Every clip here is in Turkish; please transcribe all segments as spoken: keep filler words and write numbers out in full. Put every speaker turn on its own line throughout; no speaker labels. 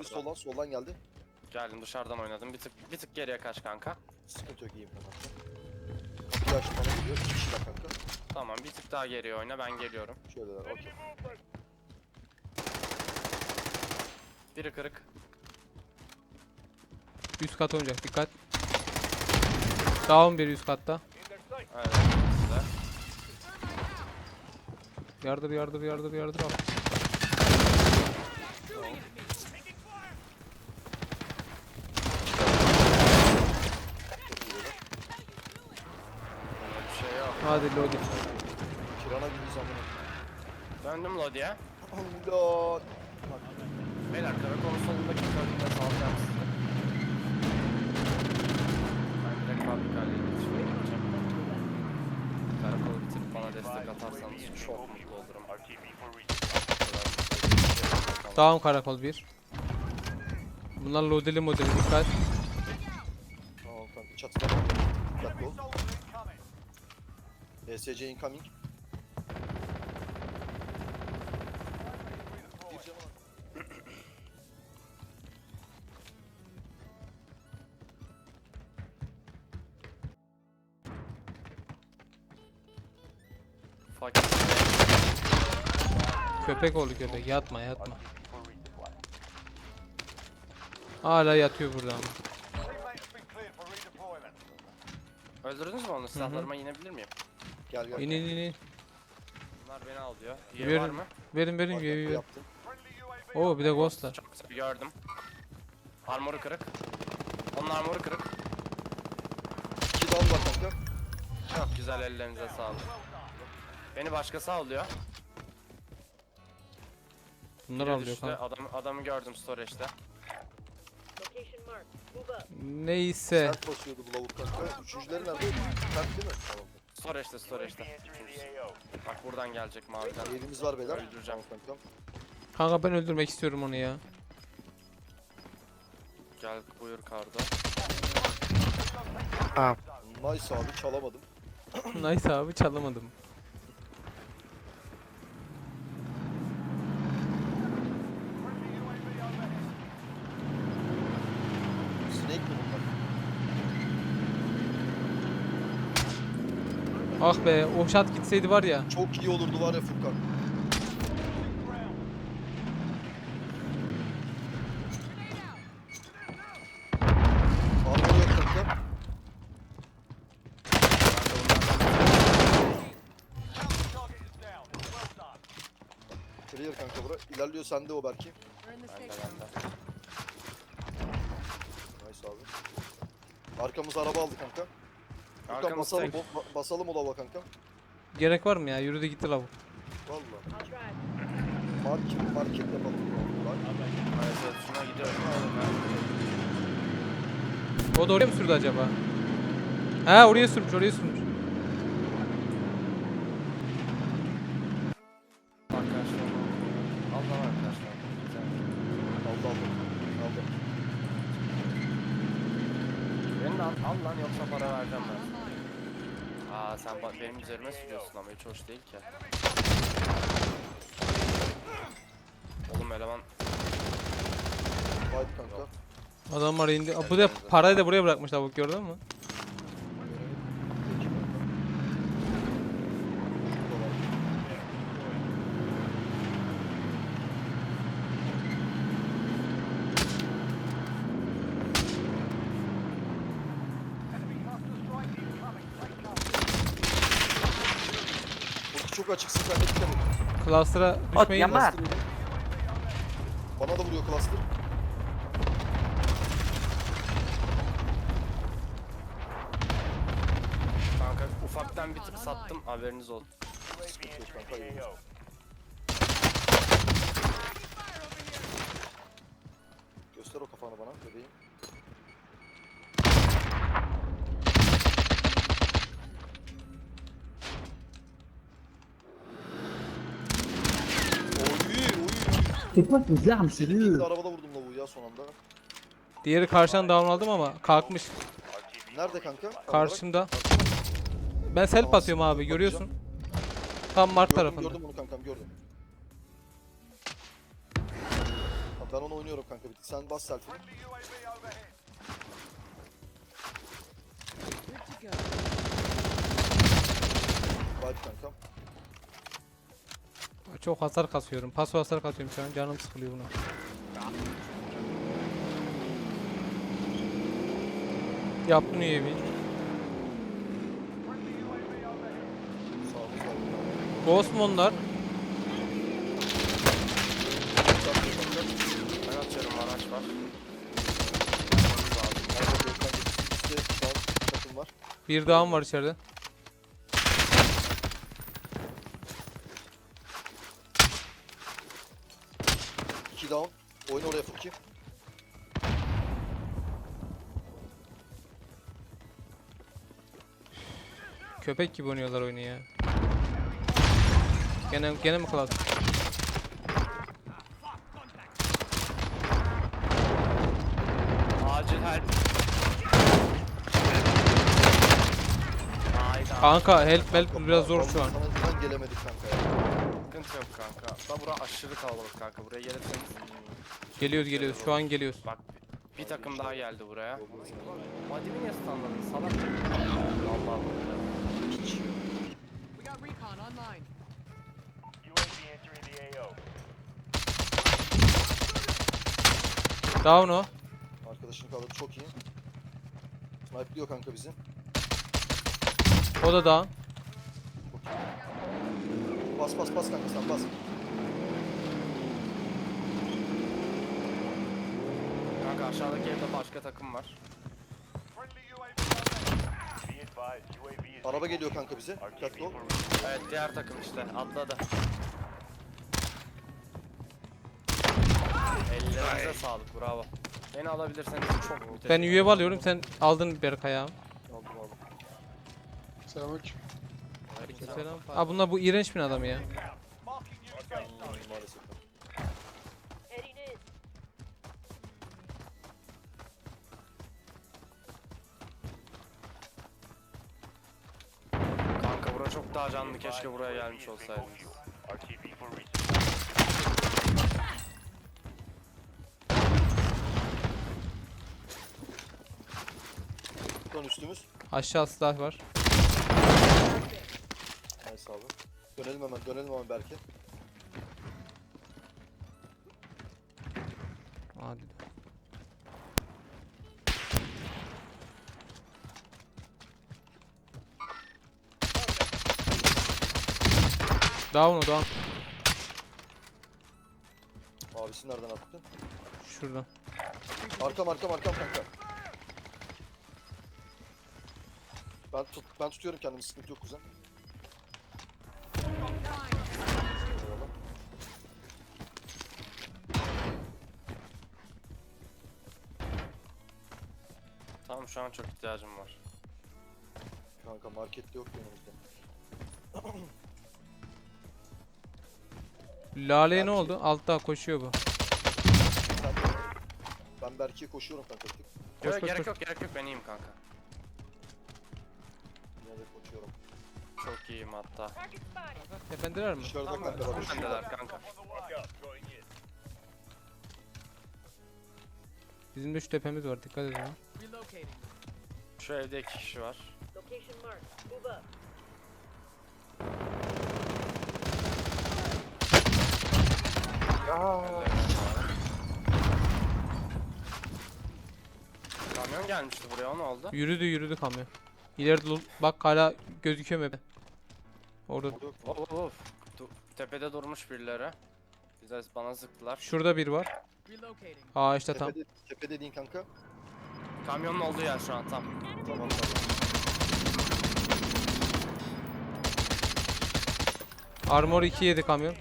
Geldi soldan, soldan geldi.
Geldim dışarıdan oynadım. Bir tık bir tık geriye kaç kanka.
Sıkıntı yok, iyiyim kanka. Kapıyı açtı bana geliyor. İki kişiler kanka.
Tamam bir tık daha geriye oyna, ben geliyorum.
Şöyleler, okey.
Biri kırık.
Üst kat oynayacak, dikkat. Down bir üst katta.
Evet size.
Yardır yardır yardır yardır al.
Öyle bir şey yok.
Hadi loading.
Kirana gibi zamana.
Döndüm Lodi'ye.
Allah.
Beyler karakol solundaki körlükle salacağım sizi. Ben direkt fabrikayla iletişime geçeceğim. Karakolu bitirip bana destek atarsanız çok mutlu olurum.
Down karakol bir. Bunlar loadeli modeli, dikkat.
Tamam kanka, çatıda. Dikkatli ol. E S C incoming. Bir canı var.
Fakir.
Köpek oldu köpek, yatma yatma. Hala yatıyor burada ama.
Öldürdünüz mü onu? Silahlarıma inebilir miyim?
Gel gel.
İn in in in.
Bunlar beni alıyor. Üye
Verin.
var mı?
Verin verin
Bak,
üye
bak,
üye.
yaptım.
Oo bir de ghostlar.
Çok güzel gördüm. Armoru kırık. Onun armoru kırık.
İki down var kanka.
Çok güzel, ellerinize sağlık. Beni başkası alıyor.
Bunlar
Biri
alıyor
düştü.
kanka.
Adam, adamı gördüm storage'de.
Location marked. Move up.
Neyse.
Sert basıyordu bu lavuk kanka. Üçüncüleri nerede? Sert değil mi? Tamam.
Storage'de storage'de. Bak buradan gelecek maviden.
Yerimiz var beyler.
Öldüreceğim.
Tamam kankam.
Kanka ben öldürmek istiyorum onu ya.
Gel buyur Kardo.
Nice abi, çalamadım.
Nice abi, çalamadım.
Snake mi bunlar?
Ah be, o shot gitseydi var ya.
Çok iyi olurdu var ya Furkan. Armor yok kanka. Clear kanka bura. İlerliyor sende o belki.
Bende bende.
Nice abi. Arkamız araba aldı kanka. Furkan
Arkamız
basalım,
tek.
bo- basalım o lava kanka.
Gerek var mı ya? Yürüdü gitti lavuk.
Valla.
I'll drive.
Market, market yapalım. Bak.
Maalesef şuna gidiyorum.
O da oraya mı sürdü acaba? Ha oraya sürmüş, oraya sürmüş.
Arkadaşlar. Allah arkadaşlar. Güzel.
Aldı aldı. Aldı.
Beni de al, al lan yoksa para vereceğim ben. Aa sen ba- benim üzerime sürüyorsun ama hiç hoş değil ki. Oğlum eleman
Fight kanka.
Adamlar indi. Aa, bu da parayı da buraya bırakmış lavuk, gördün mü?
Burası çok açıksın, sen de dikkat et.
Cluster'a düşmeyin.
Cluster yedi. Bana da vuruyor cluster.
kanka ufaktan bir tık sattım, haberiniz olsun.
Sıkıntı yok kanka, iyi. Göster o kafanı bana bebeğim. Oy oy.
C'est quoi ces armes,
Bir
sérieux?
de arabada vurdum lavuğu ya son anda.
Diğeri karşıdan down aldım ama kalkmış.
Nerede kanka?
Karşımda. Ben self atıyorum abi, görüyorsun. Tam mark
Gördüm,
tarafında.
gördüm onu kankam, gördüm. Ben onu oynuyorum kanka. Bir- Sen bas selfie'ni. Hadi kankam.
Çok hasar kasıyorum. Paso hasar kasıyorum şu an. Canım sıkılıyor buna. Yaptın üye bir.
Sağımız var.
Ghost mu onlar?
Ben atıyorum, araç var.
Kanka bir kanka. İşte şu an takım var.
Bir dağım var içeride.
İki down. Oyun oraya Furki.
Köpek gibi oynuyorlar oyunu ya. Gene gene mi klas?
Acil help. Hayda.
Kanka help help biraz zor şu an.
Sana yüzünden gelemedik kanka ya.
Sıkıntı yok kanka. Da bura aşırı kalabalık kanka. Buraya gelirseniz.
Geliyoruz geliyoruz. Şu an geliyoruz.
Bak bir takım daha geldi buraya. Vadimi niye standladın salak? Allah Allah.
We got recon online.
Down o.
Arkadaşını kaldırdı çok iyi. Snipe'liyor kanka bizi.
O da down.
Çok iyi. Bas bas bas kanka sen bas.
Kanka aşağıdaki evde başka takım var.
Araba geliyor kanka bize. Dikkatli ol.
Evet diğer takım işte atladı. Ellerinize sağlık, bravo. Beni alabilirseniz çok müthiş.
Ben üye alıyorum. Sen aldın Berkay abi.
Aldım aldım.
Selamünaleyküm.
Selam. Aa bunlar bu iğrenç bir adam ya.
Maalesef.
Heading in.
Kanka bura çok daha canlı, keşke buraya gelmiş olsaydınız.
Son üstümüz.
Aşağı silah var.
Nice abi. Dönelim hemen dönelim hemen Berke.
Hadi. Down o down.
Abisi nereden attı?
Şuradan.
Arkam arkam arkam kanka. Ben tut ben tutuyorum kendimi sıkıntı yok kuzen. Eyvallah.
Tamam şu an çok ihtiyacım var.
Kanka markette yok yanımızda.
Lale'ye ne oldu? Altta koşuyor bu.
Sen ben Berke'ye koşuyorum kanka bir tık.
Koş,
Yok
koş,
gerek
koş.
yok gerek yok, ben iyiyim kanka.
Yine de koşuyorum.
Çok iyiyim hatta.
Target spotted.
Tependeler mi?
Dışarıda kanka bak.
Bendeler kanka.
Bizim de şu tepemiz var. Dikkat edin ha.
Relocating.
Şu evde iki kişi var.
Location marked. Move up.
Kamyon gelmişti buraya, o ne oldu?
Yürüdü yürüdü kamyon. İleride lo- bak hala gözüküyor mu? Orada.
Orada yok mu?
Of of of. Du- Tepede durmuş birileri. Bize bana sıktılar.
Şurada bir var.
Relocating.
Aa işte tam.
Tepede, tepe dediğin kanka.
Kamyonun olduğu yer şu an tam.
Tamam tamam.
Armor iki yedi kamyon.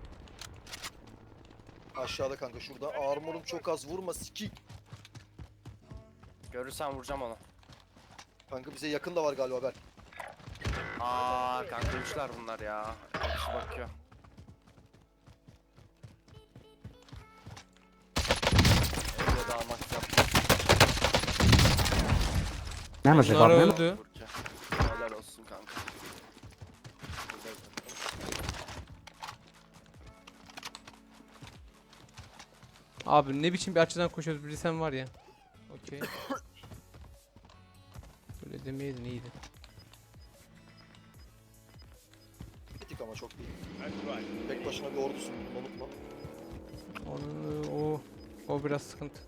Aşağıda kanka şurada. Armorum çok az vurma sikik.
Görürsen vuracağım onu.
Kanka bize yakın da var galiba Berk.
Aa kanka üçler bunlar ya. Bir kişi bakıyor. Öyle damat yaptı.
نعمل زي
Bunlar
بعض نعمل
öldü.
Burcu. Helal olsun kanka.
Abi ne biçim bir açıdan koşuyoruz bilsem var ya. Okey. Böyle demeyeydin iyiydi.
Bitik ama çok değil. Tek başına bir ordusun, bunu unutma.
Onu, o, o biraz sıkıntı.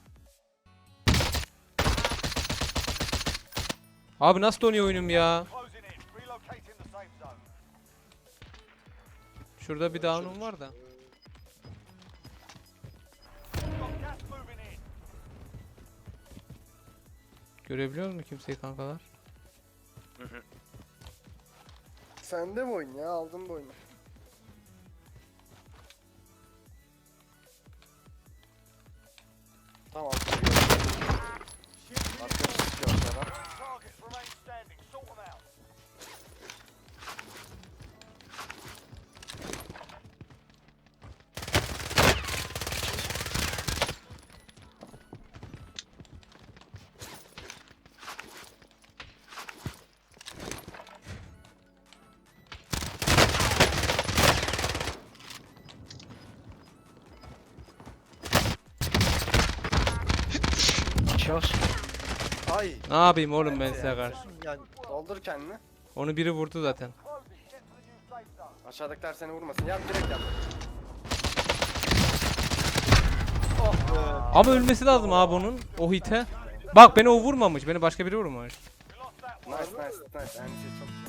Abi nasıl donuyor oyunum ya? Şurada bir down'um var da. Görebiliyor musun kimseyi kankalar?
Sende mi oyun ya? Aldın bu oyunu. Tamam. Arkadaş tutuyor aşağıdan.
Ay.
Ne yapayım oğlum ben size karşı?
Yani
Doldur kendini.
Onu biri vurdu zaten.
Aşağıdakiler seni vurmasın. Yap direkt yap.
ah be.
Ama ölmesi lazım abi onun. O hite. Bak beni o vurmamış. Beni başka biri vurmuş.
Nice nice nice. Yani şey çok